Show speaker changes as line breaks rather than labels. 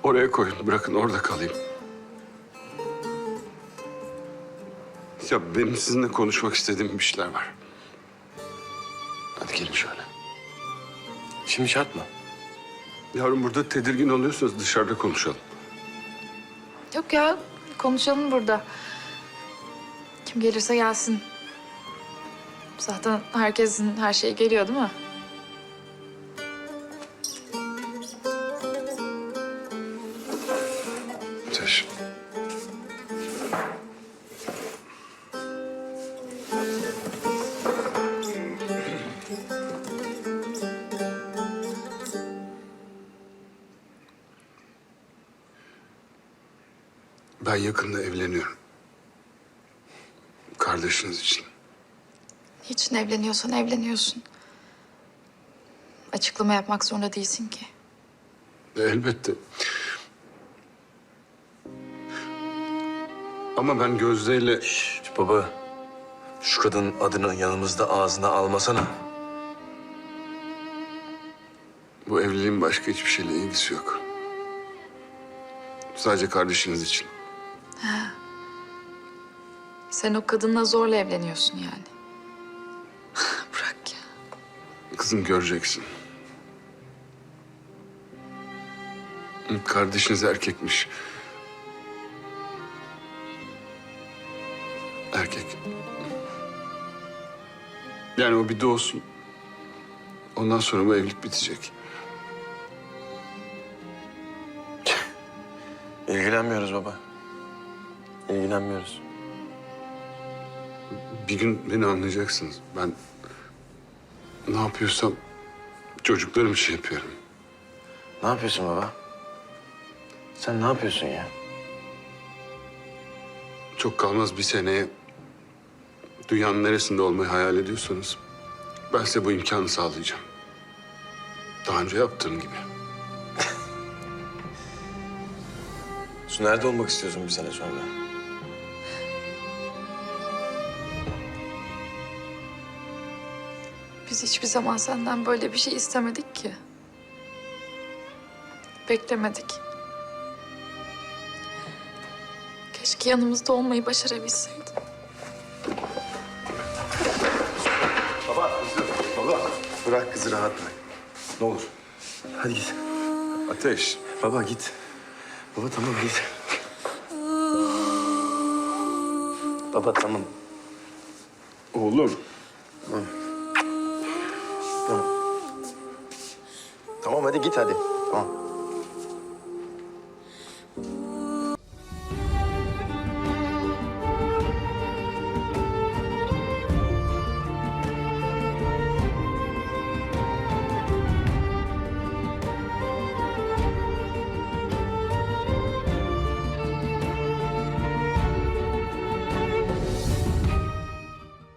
Oraya koyun, bırakın orada kalayım. Ya benim sizinle konuşmak istediğim bir şeyler var. Hadi gelin şöyle.
Şimdi şart mı?
Yavrum burada tedirgin oluyorsanız dışarıda konuşalım.
Yok ya, konuşalım burada. Kim gelirse gelsin. Zaten herkesin her şeyi geliyor değil mi?
Ateş. Ben yakında evleniyorum. Kardeşiniz için.
Niçin evleniyorsan evleniyorsun. Açıklama yapmak zorunda değilsin ki.
Elbette. Ama ben Gözde'yle...
Baba, şu kadının adını yanımızda ağzına almasana.
Bu evliliğin başka hiçbir şeyle ilgisi yok. Sadece kardeşiniz için.
Sen o kadınla zorla evleniyorsun yani. Bırak ya.
Kızım göreceksin. Kardeşiniz erkekmiş. Erkek. Yani o bir doğsun. Ondan sonra bu evlilik bitecek.
İlgilenmiyoruz baba. İlgilenmiyoruz.
Bir gün beni anlayacaksınız. Ben ne yapıyorsam çocuklarım için yapıyorum.
Ne yapıyorsun baba? Sen ne yapıyorsun ya?
Çok kalmaz bir seneye dünyanın neresinde olmayı hayal ediyorsanız ben size bu imkanı sağlayacağım. Daha önce yaptığım gibi.
Su nerede olmak istiyorsun bir sene sonra?
Biz hiçbir zaman senden böyle bir şey istemedik ki. Beklemedik. Keşke yanımızda olmayı başarabilseydin.
Baba, kızım. Baba. Bırak kızı rahat bırak. Ne olur. Hadi git.
Ateş.
Baba git. Baba tamam git. Baba tamam.
Oğlum.
Tamam. Tamam. Tamam hadi git hadi. Tamam.